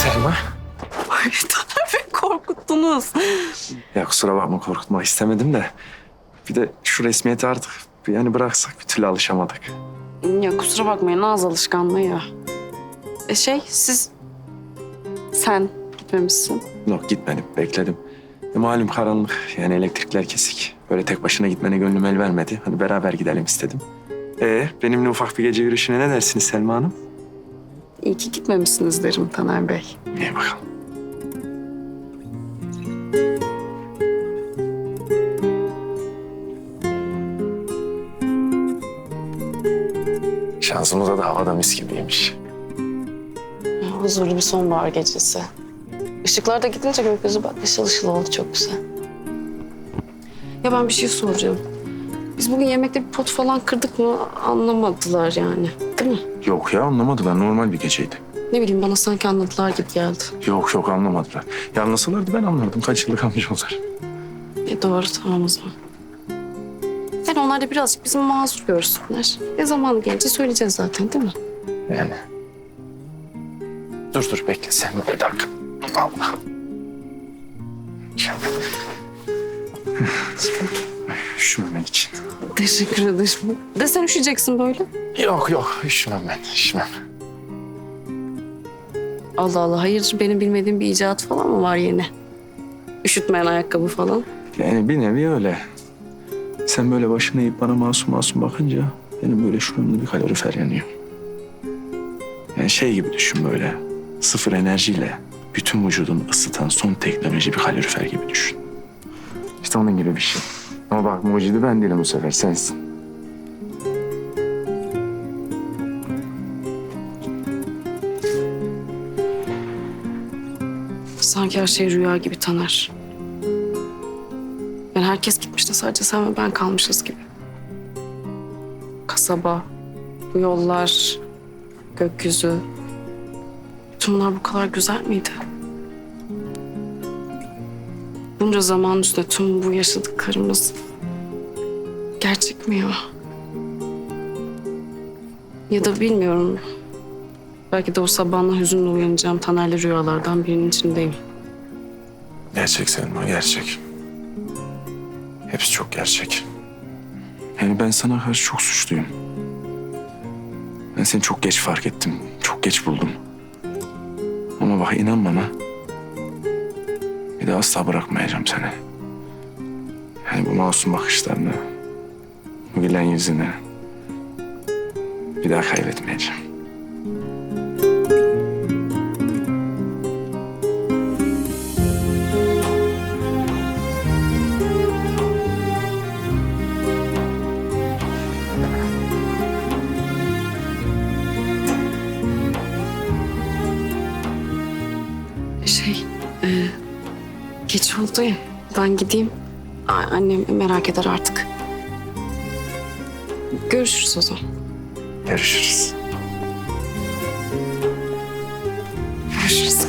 Selma. Ay Taner Bey korkuttunuz. Ya kusura bakma korkutmak istemedim de. Bir de şu resmiyeti artık yani bıraksak bir türlü alışamadık. Ya kusura bakmayın ağız alışkanlığı ya. Sen gitmemişsin. Yok gitmedim bekledim. Malum karanlık yani elektrikler kesik. Böyle tek başına gitmene gönlüm el vermedi. Hani beraber gidelim istedim. Benimle ufak bir gece yürüyüşüne ne dersiniz Selma Hanım? İyi ki gitmemişsiniz derim Taner Bey. İyi bakalım. Şansımıza da havada mis gibiymiş. Huzurlu bir sonbahar gecesi. Işıklar da gidince gökyüzü bak ışıl ışıl oldu, çok güzel. Ya ben bir şey soracağım. Biz bugün yemekte bir pot falan kırdık mı anlamadılar yani. Değil mi? Yok ya anlamadılar. Normal bir geceydi. Ne bileyim bana sanki anladılar gibi geldi. Yok anlamadılar. Ya anlasalardı ben anlardım. Kaç yıllık amcalar. Doğru, tamam o zaman. Yani onlar da birazcık bizim mazur görsünler. Zamanı gelince söyleyeceğiz zaten değil mi? Yani. Dur bekle sen bir dakika. Allah. Üşümemen için. Teşekkür ederim. De sen üşüyeceksin böyle. Yok üşümem ben üşümem. Allah Allah, hayırdır benim bilmediğim bir icat falan mı var yeni? Üşütmeyen ayakkabı falan. Yani bir nevi öyle. Sen böyle başını eğip bana masum bakınca benim böyle şuramda bir kalorifer yanıyor. Yani şey gibi düşün böyle. Sıfır enerjiyle bütün vücudunu ısıtan son teknoloji bir kalorifer gibi düşün. İşte onun gibi bir şey. Ama bak mucidi ben değilim bu sefer sensin. Sanki her şey rüya gibi Taner. Yani herkes gitmiş de sadece sen ve ben kalmışız gibi. Kasaba, bu yollar, gökyüzü. Bütün bunlar bu kadar güzel miydi? Bunca zaman üstüne tüm bu yaşadıklarımız gerçek mi ya? Ya da bilmiyorum. Belki de o sabahına hüzünle uyanacağım Taner'le rüyalardan birinin içindeyim. Gerçek Selma gerçek. Hepsi çok gerçek. Yani ben sana karşı çok suçluyum. Ben seni çok geç fark ettim. Çok geç buldum. Ama bak inan bana. Bir daha asla bırakmayacağım seni. Yani bu masum bakışlarını, bu gülen yüzünü bir daha kaybetmeyeceğim. Geç oldu ya. Ben gideyim. Annem merak eder artık. Görüşürüz o zaman. Görüşürüz. Görüşürüz.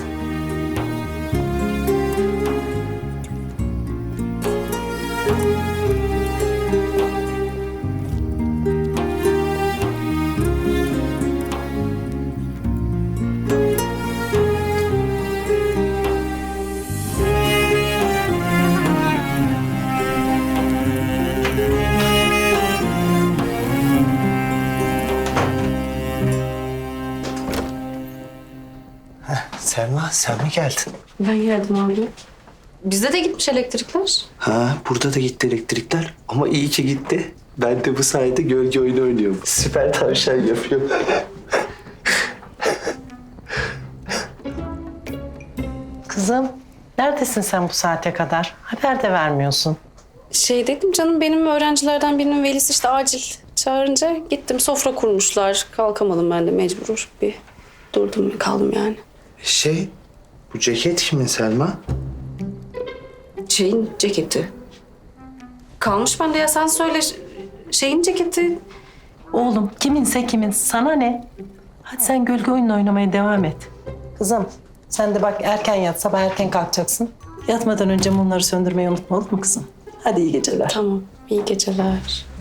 Selma, sen mi geldin? Ben geldim abi. Bizde de gitmiş elektrikler. Ha, burada da gitti elektrikler. Ama iyi ki gitti. Ben de bu sayede gölge oyunu oynuyorum. Süper tavşan yapıyorum. Kızım, neredesin sen bu saate kadar? Haber de vermiyorsun. Dedim canım, benim öğrencilerden birinin velisi işte acil çağırınca gittim. Sofra kurmuşlar. Kalkamadım ben de mecbur. Bir durdum kaldım yani. Bu ceket kimin Selma? Ceketi. Kalmış bende ya, sen söyle. Ceketi. Oğlum, kiminse kimin, sana ne? Hadi sen gölge oyununu oynamaya devam et. Kızım, sen de bak erken yat, sabah erken kalkacaksın. Yatmadan önce mumları söndürmeyi unutma, olur mu kızım? Hadi iyi geceler. Tamam, iyi geceler.